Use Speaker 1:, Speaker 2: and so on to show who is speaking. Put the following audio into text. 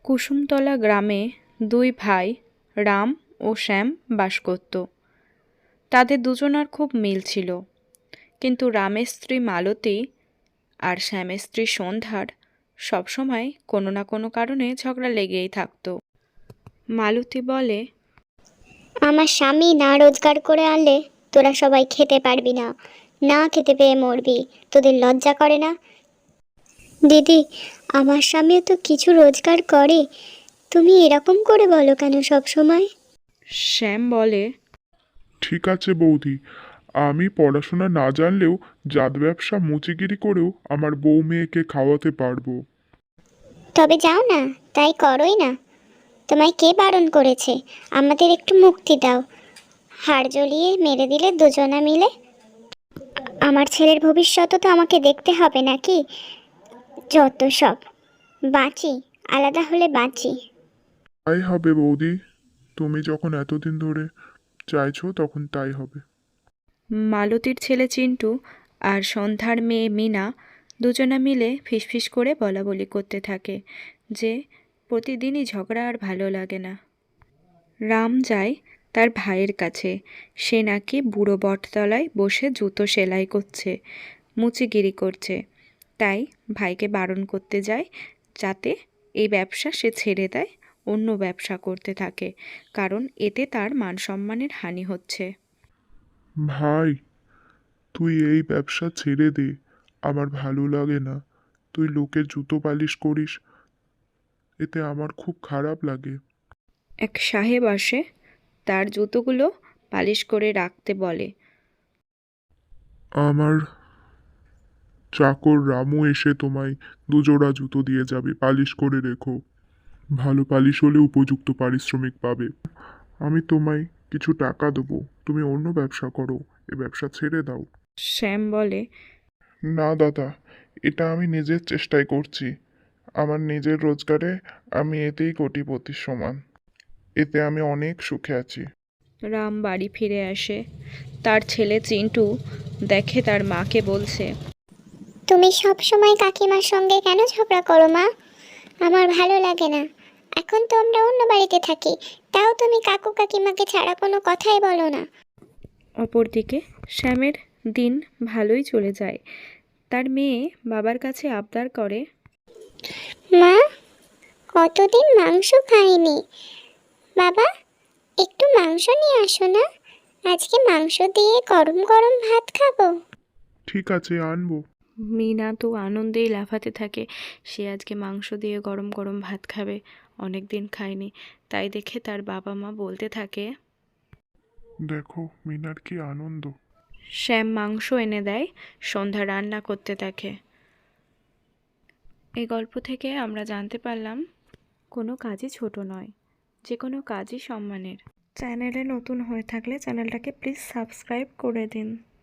Speaker 1: কুসুমতলা গ্রামে দুই ভাই রাম ও শ্যাম বাস করত। তাদের দুজনার খুব মিল ছিল, কিন্তু রামের স্ত্রী মালতী আর শ্যামের স্ত্রী সন্ধ্যার সবসময় কোনো না কোনো কারণে ঝগড়া লেগেই থাকতো। মালতী বলে,
Speaker 2: আমার স্বামী না রোজগার করে আনলে তোরা সবাই খেতে পারবি না, না খেতে পেয়ে মরবি। তোদের লজ্জা করে না? দিদি, আমার স্বামীও তো কিছু রোজগার করে, তুমি এরকম করে বলো কেন সব সময়?
Speaker 1: শ্যাম বলে,
Speaker 3: ঠিক আছে বৌদি, আমি পড়াশোনা না জানলেও জাত ব্যবসা মুচিগিরি করেও আমার বউ মেয়েকে খাওয়াতে পারবো।
Speaker 2: তবে যাও না, তাই করোই না। তোমায় কে বারণ করেছে? আমাদের একটু মুক্তি দাও। হাড় জ্বলিয়ে মেরে দিলে দুজনা মিলে। আমার ছেলের ভবিষ্যৎও তো আমাকে দেখতে হবে নাকি? যত সব। বাঁচি, আলাদা হলে বাঁচি।
Speaker 3: তাই হবে বৌদি, তুমি যখন এতদিন ধরে চাইছো তখন তাই হবে।
Speaker 1: মালতীর ছেলে চিন্টু আর সন্ধ্যার মেয়ে মিনা দুজনা মিলে ফিসফিস করে বলাবলি করতে থাকে যে প্রতিদিনই ঝগড়া আর ভালো লাগে না। রাম যায় তার ভাইয়ের কাছে, সে নাকি বুড়ো বটতলায় বসে জুতো সেলাই করছে, মুচিগিরি করছে। তাই ভাইকে বারণ করতে যায় যাতে এই ব্যবসা সে ছেড়ে দেয়, অন্য ব্যবসা করতে থাকে, কারণ এতে তার মান সম্মানের হানি হচ্ছে।
Speaker 3: ভাই, তুই এই ব্যবসা ছেড়ে দে, আমার ভালো লাগে না। তুই লোকের জুতো পালিশ করিস, এতে আমার খুব খারাপ লাগে।
Speaker 1: এক সাহেব আসে, তার জুতোগুলো পালিশ করে রাখতে বলে।
Speaker 3: আমার চাকর রামু এসে তোমায় দুজোড়া জুতো দিয়ে যাবে, পালিশ করে রেখো। ভালো পালিশ হলে উপযুক্ত পারিশ্রমিক পাবে। আমি তোমায় কিছু টাকা দেবো, তুমি অন্য ব্যবসা করো, এ ব্যবসা ছেড়ে দাও।
Speaker 1: শ্যাম বলে,
Speaker 3: না দাদা, এটা আমি নিজের চেষ্টায় করছি। আমার নিজের রোজগারে আমি এতেই কোটিপতির সমান। এতে আমি অনেক সুখে আছি।
Speaker 1: রাম বাড়ি ফিরে আসে। তার ছেলে চিন্টু দেখে তার মাকে বলছে,
Speaker 2: তুমি সব সময় কাকিমার সঙ্গে কেন ঝগড়া করো মা? আমার ভালো লাগে না। এখন তো আমরা অন্য বাড়িতে থাকি, তাও তুমি কাকু কাকিমাকে ছাড়া কোনো কথাই বলো না।
Speaker 1: অপরদিকে শ্যামের দিন ভালোই চলে যায়। তার মেয়ে বাবার কাছে আবদার করে,
Speaker 2: মা, কতদিন মাংস খাইনি। বাবা, একটু মাংস নিয়ে আসো না, আজকে মাংস দিয়ে গরম গরম ভাত খাবো।
Speaker 3: ঠিক আছে, আনবো।
Speaker 1: মিনা তো আনন্দেই লাফাতে থাকে, সে আজকে মাংস দিয়ে গরম গরম ভাত খাবে, অনেক দিন খায়নি। তাই দেখে তার বাবা মা বলতে থাকে,
Speaker 3: দেখো মিনার কি আনন্দ।
Speaker 1: শ্যাম মাংস এনে দেয়, সন্ধ্যা রান্না করতে থাকে। এই গল্প থেকে আমরা জানতে পারলাম কোনো কাজই ছোট নয়, যে কোনো কাজই সম্মানের। চ্যানেলে নতুন হয়ে থাকলে চ্যানেলটাকে প্লিজ সাবস্ক্রাইব করে দিন।